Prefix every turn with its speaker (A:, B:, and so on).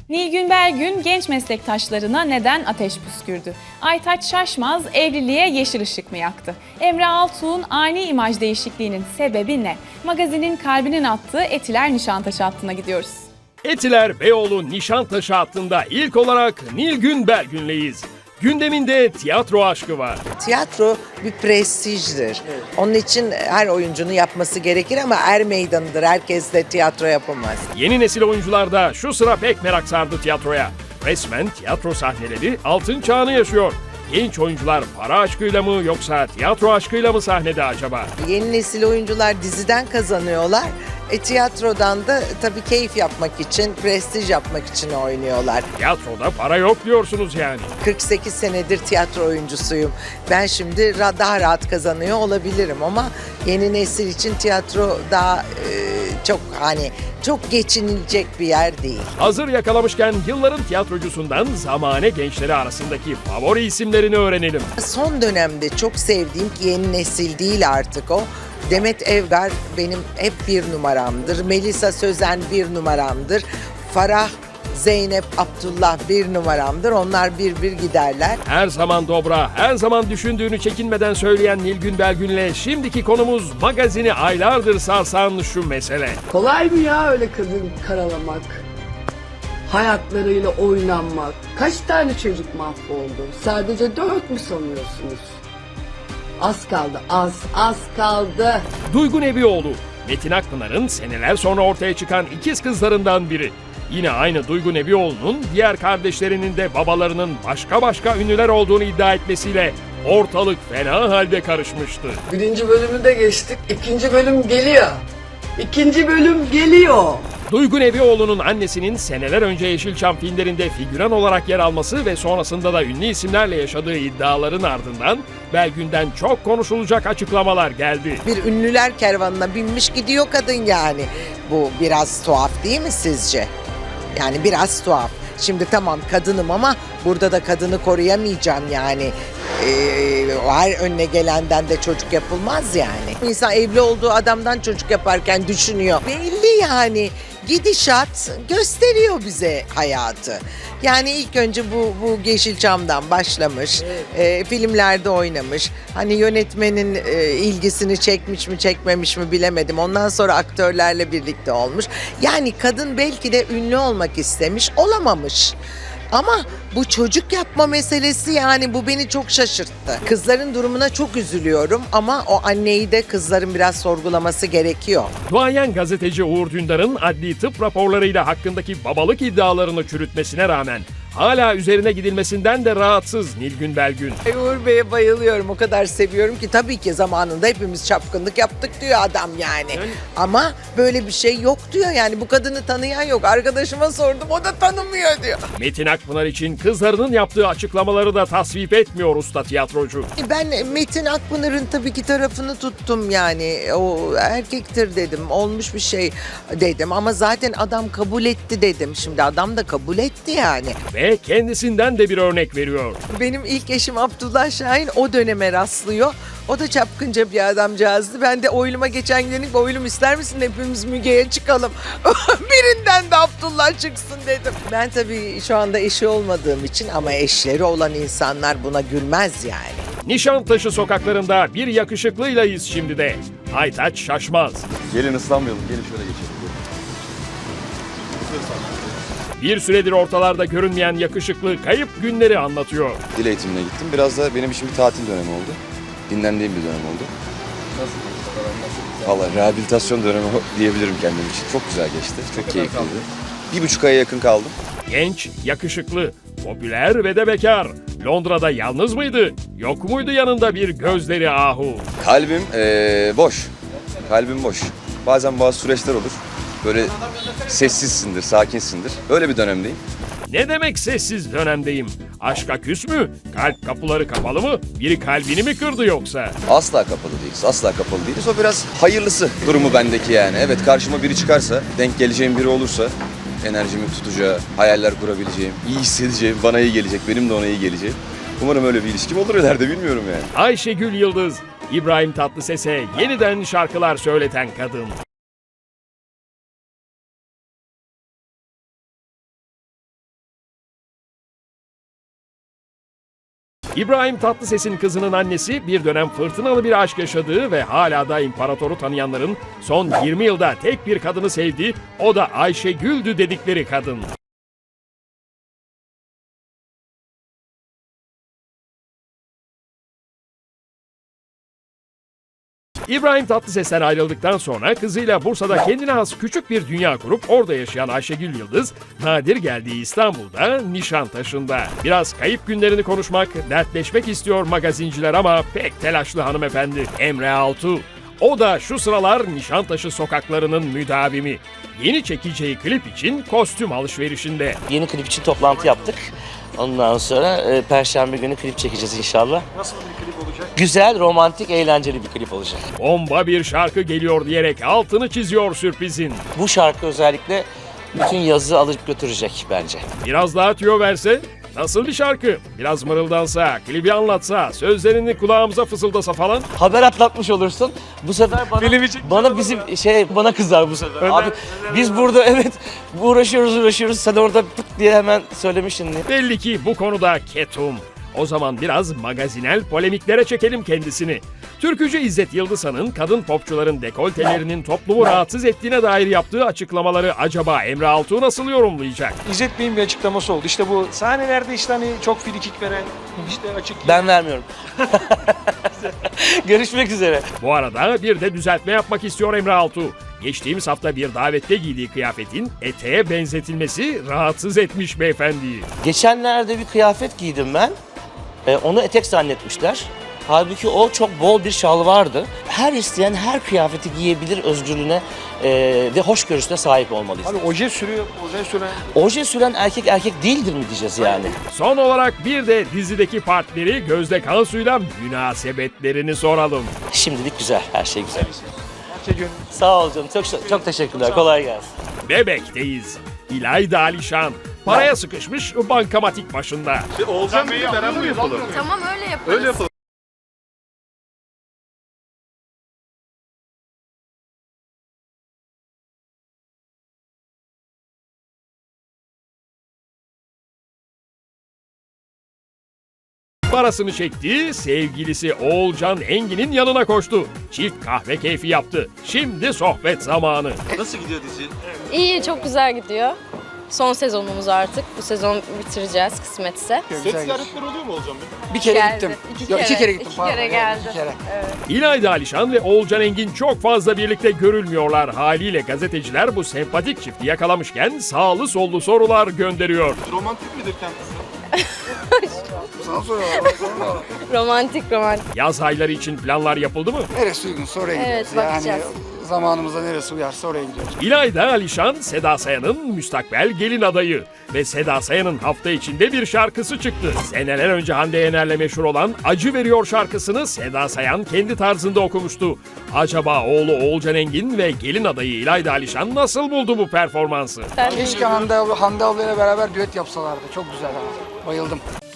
A: Nilgün Belgün genç meslektaşlarına neden ateş püskürdü? Aytaç Şaşmaz evliliğe yeşil ışık mı yaktı? Emre Altuğ'un ani imaj değişikliğinin sebebi ne? Magazinin kalbinin attığı Etiler Nişantaşı hattına gidiyoruz.
B: Etiler Beyoğlu Nişantaşı hattında ilk olarak Nilgün Belgün'leyiz. Gündeminde tiyatro aşkı var.
C: Tiyatro bir prestijdir. Onun için her oyuncunun yapması gerekir ama er meydanıdır. Herkes de tiyatro yapamaz.
B: Yeni nesil oyuncular da şu sıra pek merak sardı tiyatroya. Resmen tiyatro sahneleri altın çağını yaşıyor. Genç oyuncular para aşkıyla mı yoksa tiyatro aşkıyla mı sahnede acaba?
C: Yeni nesil oyuncular diziden kazanıyorlar. Tiyatrodan da tabii keyif yapmak için, prestij yapmak için oynuyorlar.
B: Tiyatroda para yok diyorsunuz yani.
C: 48 senedir tiyatro oyuncusuyum. Ben şimdi daha rahat kazanıyor olabilirim ama yeni nesil için tiyatro daha çok geçinilecek bir yer değil.
B: Hazır yakalamışken yılların tiyatrocusundan zamane gençleri arasındaki favori isimlerini öğrenelim.
C: Son dönemde çok sevdiğim ki yeni nesil değil artık o. Demet Evgar benim hep bir numaramdır. Melisa Sözen bir numaramdır. Farah, Zeynep, Abdullah bir numaramdır. Onlar bir giderler.
B: Her zaman dobra, her zaman düşündüğünü çekinmeden söyleyen Nilgün Belgün'le şimdiki konumuz magazini aylardır sarsan şu mesele.
D: Kolay mı ya öyle kadın karalamak? Hayatlarıyla oynanmak. Kaç tane çocuk mahvoldu? Sadece 4 mü sanıyorsunuz? Az kaldı, az kaldı.
B: Duygu Nebioğlu, Metin Akpınar'ın seneler sonra ortaya çıkan ikiz kızlarından biri. Yine aynı Duygu Nebioğlu'nun diğer kardeşlerinin de babalarının başka ünlüler olduğunu iddia etmesiyle ortalık fena halde karışmıştı.
D: 1. bölümü de geçtik. 2. bölüm geliyor. 2. bölüm geliyor.
B: Duygu Nebioğlu'nun annesinin seneler önce Yeşilçam filmlerinde figüran olarak yer alması ve sonrasında da ünlü isimlerle yaşadığı iddiaların ardından Belgün'den çok konuşulacak açıklamalar geldi.
C: Bir ünlüler kervanına binmiş gidiyor kadın yani. Bu biraz tuhaf değil mi sizce? Yani biraz tuhaf. Şimdi tamam kadınım ama burada da kadını koruyamayacağım yani. Her önüne gelenden de çocuk yapılmaz yani. İnsan evli olduğu adamdan çocuk yaparken düşünüyor. Belli yani. Gidişat gösteriyor bize hayatı. Yani ilk önce bu Yeşilçam'dan başlamış, filmlerde oynamış. Hani yönetmenin ilgisini çekmiş mi çekmemiş mi bilemedim. Ondan sonra aktörlerle birlikte olmuş. Yani kadın belki de ünlü olmak istemiş, olamamış. Ama bu çocuk yapma meselesi yani bu beni çok şaşırttı. Kızların durumuna çok üzülüyorum ama o anneyi de kızların biraz sorgulaması gerekiyor.
B: Duayen gazeteci Uğur Dündar'ın adli tıp raporlarıyla hakkındaki babalık iddialarını çürütmesine rağmen hala üzerine gidilmesinden de rahatsız Nilgün Belgün.
C: Uğur Bey'e bayılıyorum. O kadar seviyorum ki tabii ki zamanında hepimiz çapkınlık yaptık diyor adam yani. Ama böyle bir şey yok diyor yani bu kadını tanıyan yok. Arkadaşıma sordum o da tanımıyor diyor.
B: Metin Akpınar için kızlarının yaptığı açıklamaları da tasvip etmiyor usta tiyatrocu.
C: Ben Metin Akpınar'ın tabii ki tarafını tuttum yani. O erkektir dedim. Olmuş bir şey dedim ama zaten adam kabul etti dedim. Şimdi adam da kabul etti yani.
B: Ve kendisinden de bir örnek veriyor.
C: Benim ilk eşim Abdullah Şahin o döneme rastlıyor. O da çapkınca bir adamcağızdı. Ben de oyluma geçen gün dedim oylum ister misin hepimiz Müge'ye çıkalım. Birinden de Abdullah çıksın dedim. Ben tabii şu anda eşi olmadığım için ama eşleri olan insanlar buna gülmez yani.
B: Nişantaşı sokaklarında bir yakışıklıylayız şimdi de. Aytaç Şaşmaz.
E: Gelin ıslanmayalım, gelin şöyle geçelim.
B: Bir süredir ortalarda görünmeyen yakışıklı kayıp günleri anlatıyor.
E: Dil eğitimine gittim. Biraz da benim için bir tatil dönemi oldu. Dinlendiğim bir dönem oldu. Valla rehabilitasyon dönemi diyebilirim kendim için. Çok güzel geçti, çok keyifliydi. 1,5 aya yakın kaldım.
B: Genç, yakışıklı, popüler ve de bekar. Londra'da yalnız mıydı? Yok muydu yanında bir gözleri ahu?
E: Kalbim boş. Kalbim boş. Bazen bazı süreçler olur. Böyle sessizsindir, sakinsindir. Öyle bir dönemdeyim.
B: Ne demek sessiz dönemdeyim? Aşka küs mü? Kalp kapıları kapalı mı? Biri kalbini mi kırdı yoksa?
E: Asla kapalı değiliz, asla kapalı değiliz. O biraz hayırlısı durumu bendeki yani. Evet karşıma biri çıkarsa, denk geleceğim biri olursa, enerjimi tutacağı, hayaller kurabileceğim, iyi hissedeceğim, bana iyi gelecek, benim de ona iyi geleceğim. Umarım öyle bir ilişkim olur ileride bilmiyorum yani.
B: Ayşegül Yıldız, İbrahim Tatlıses'e yeniden şarkılar söyleten kadın. İbrahim Tatlıses'in kızının annesi bir dönem fırtınalı bir aşk yaşadığı ve hala da imparatoru tanıyanların son 20 yılda tek bir kadını sevdi, o da Ayşegül'dü dedikleri kadın. İbrahim Tatlıses'ten ayrıldıktan sonra kızıyla Bursa'da kendine has küçük bir dünya kurup orada yaşayan Ayşegül Yıldız, nadir geldiği İstanbul'da Nişantaşı'nda. Biraz kayıp günlerini konuşmak, dertleşmek istiyor magazinciler ama pek telaşlı hanımefendi Emre Altuğ. O da şu sıralar Nişantaşı sokaklarının müdavimi. Yeni çekeceği klip için kostüm alışverişinde.
F: Yeni klip için toplantı yaptık. Ondan sonra Perşembe günü klip çekeceğiz inşallah.
G: Nasıl bir klip olacak?
F: Güzel, romantik, eğlenceli bir klip olacak.
B: Bomba bir şarkı geliyor diyerek altını çiziyor sürprizin.
F: Bu şarkı özellikle bütün yazı alıp götürecek bence.
B: Biraz daha tüyo verse, nasıl bir şarkı? Biraz mırıldansa, klibi anlatsa, sözlerini kulağımıza fısıldasa falan.
F: Haber atlatmış olursun. Bu sefer bana kızar bu sefer. Abi biz burada evet uğraşıyoruz. Sen orada pıt diye hemen söylemişsin diye.
B: Belli ki bu konuda ketum. O zaman biraz magazinel polemiklere çekelim kendisini. Türkücü İzzet Yıldızhan'ın kadın popçuların dekoltelerinin toplumu rahatsız ettiğine dair yaptığı açıklamaları acaba Emre Altuğ nasıl yorumlayacak?
G: İzzet Bey'in bir açıklaması oldu. İşte bu sahnelerde işte hani çok frikik veren, işte açık...
F: Ben vermiyorum. Görüşmek üzere.
B: Bu arada bir de düzeltme yapmak istiyor Emre Altuğ. Geçtiğimiz hafta bir davette giydiği kıyafetin eteğe benzetilmesi rahatsız etmiş beyefendiyi.
F: Geçenlerde bir kıyafet giydim ben. Onu etek zannetmişler. Halbuki o çok bol bir şal vardı. Her isteyen her kıyafeti giyebilir özgürlüğüne ve hoşgörüsüne sahip olmalıyız.
G: Abi oje sürüyor, oje süren...
F: Oje süren erkek değildir mi diyeceğiz yani?
B: Son olarak bir de dizideki partneri Gözde Kansu'yla münasebetlerini soralım.
F: Şimdilik güzel, her şey güzel.
G: Parça gönül.
F: Sağ ol canım, çok teşekkürler, kolay gelsin.
B: Bebek'teyiz. İlayda Alişan. Paraya sıkışmış bankamatik başında.
G: Oğuzhan Bey'i beraber yapalım.
H: Tamam öyle yaparız.
G: Öyle yapalım.
B: Parasını çekti, sevgilisi Oğulcan Engin'in yanına koştu. Çift kahve keyfi yaptı. Şimdi sohbet zamanı.
G: Nasıl gidiyor dizi?
H: İyi, çok güzel gidiyor. Son sezonumuz artık. Bu sezon bitireceğiz kısmetse.
G: Set ziyaretleri oluyor mu Oğuzhan Bey?
I: Bir kere
H: Geldi.
I: gittim.
H: İki
I: Yok,
H: kere.
I: iki kere gittim.
H: İki
I: pardon.
H: kere
I: Evet,
H: geldi.
I: iki kere.
B: İlayda Alişan ve Oğulcan Engin çok fazla birlikte görülmüyorlar. Haliyle gazeteciler bu sempatik çifti yakalamışken sağlı sollu sorular gönderiyor.
G: Romantik midir kendisi?
I: Sana soruyorlar.
H: Romantik.
B: Yaz ayları için planlar yapıldı mı?
I: Neresi uygunsa oraya
H: Evet,
I: gidiyoruz.
H: bakacağız.
I: Zamanımıza neresi uyarsa oraya gidiyoruz.
B: İlayda Alişan, Seda Sayan'ın müstakbel gelin adayı. Ve Seda Sayan'ın hafta içinde bir şarkısı çıktı. Seneler önce Hande Yener'le meşhur olan Acı Veriyor şarkısını Seda Sayan kendi tarzında okumuştu. Acaba oğlu Oğulcan Engin ve gelin adayı İlayda Alişan nasıl buldu bu performansı?
H: Sen
I: Keşke Hande ablayla beraber düet yapsalardı. Çok güzel ama. Bayıldım.